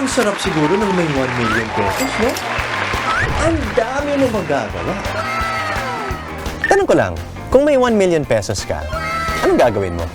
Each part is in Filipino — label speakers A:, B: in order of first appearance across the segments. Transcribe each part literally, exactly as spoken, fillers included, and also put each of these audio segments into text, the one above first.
A: ang sarap siguro ng may one million pesos, no? Ang dami mo magagawa.
B: Tanong ko lang, kung may one million pesos ka, anong gagawin mo?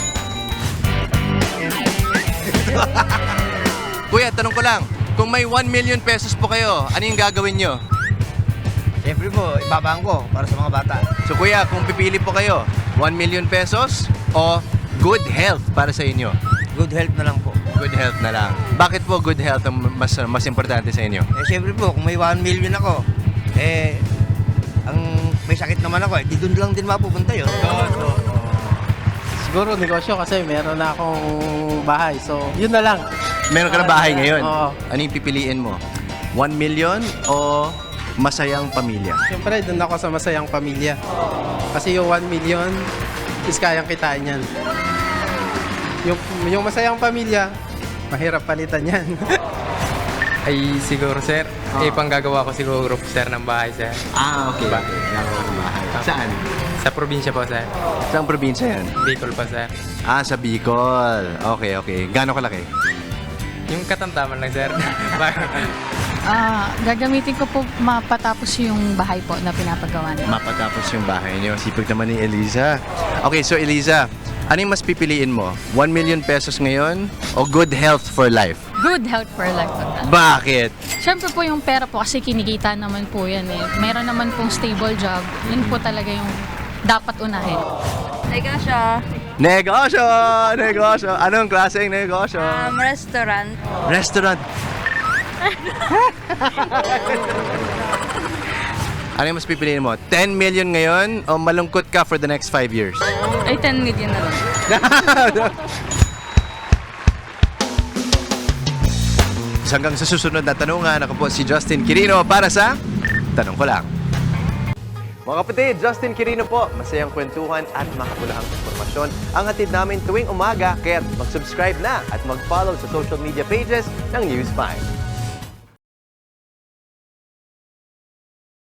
C: Kuya, tanong ko lang, kung may one million pesos po kayo, ano yung gagawin nyo?
D: Siyempre po, ibabaan ko para sa mga bata.
C: So kuya, kung pipili po kayo, one million pesos o good health para sa inyo?
D: Good health na lang po.
C: Good health na lang. Bakit po good health ang mas, mas importante sa inyo?
D: Eh, siyempre po, kung may one million ako, eh, ang may sakit naman ako, eh, di doon lang din mapupunta yun.
E: Siguro negosyo kasi meron na akong bahay. So, yun na lang.
C: Meron ka na bahay ngayon.
E: Oo.
C: Ano yung pipiliin mo? one million o masayang pamilya?
E: Siyempre, dun ako sa masayang pamilya. Kasi yung one million is kayang kitain yan. Yung, yung masayang pamilya, mahirap palitan yan.
F: Ay siguro sir, eh panggagawa ko siguro sir ng bahay sir.
C: Ah, okay. okay. Gagawa ng bahay. Saan?
F: Sa probinsya po sir.
C: Saan probinsya yan?
F: Bicol pa sir.
C: Ah, sa Bicol. Okay, okay. Gano'ng kalaki?
F: Yung katamtaman lang sir.
G: Ah, gagamitin ko po mapatapos yung bahay po na pinapagawa niya.
C: Mapatapos yung bahay niyo. Sipag naman ni Eliza. Okay, so Eliza, ano yung mas pipiliin mo? one million pesos ngayon o good health for life?
G: Good health for life po.
C: Bakit?
G: Siyempre po yung pera po kasi kinikita naman po yan eh. Meron naman pong stable job. Yun po talaga yung dapat unahin.
H: Negosyo,
C: Negosyo! Negosyo! Anong klaseng negosyo?
H: um, restaurant.
C: Restaurant. Ano yung mas pipiliin mo? ten million ngayon o malungkot ka for the next five years?
H: Ay, ten million na lang.
C: Hanggang sa susunod na tanungan, ako po si Justin Quirino para sa Tanong Ko Lang. Mga kapatid, Justin Quirino po. Masayang kwentuhan at makapulahang informasyon ang hatid namin tuwing umaga. Kaya mag-subscribe na at mag-follow sa social media pages ng News five.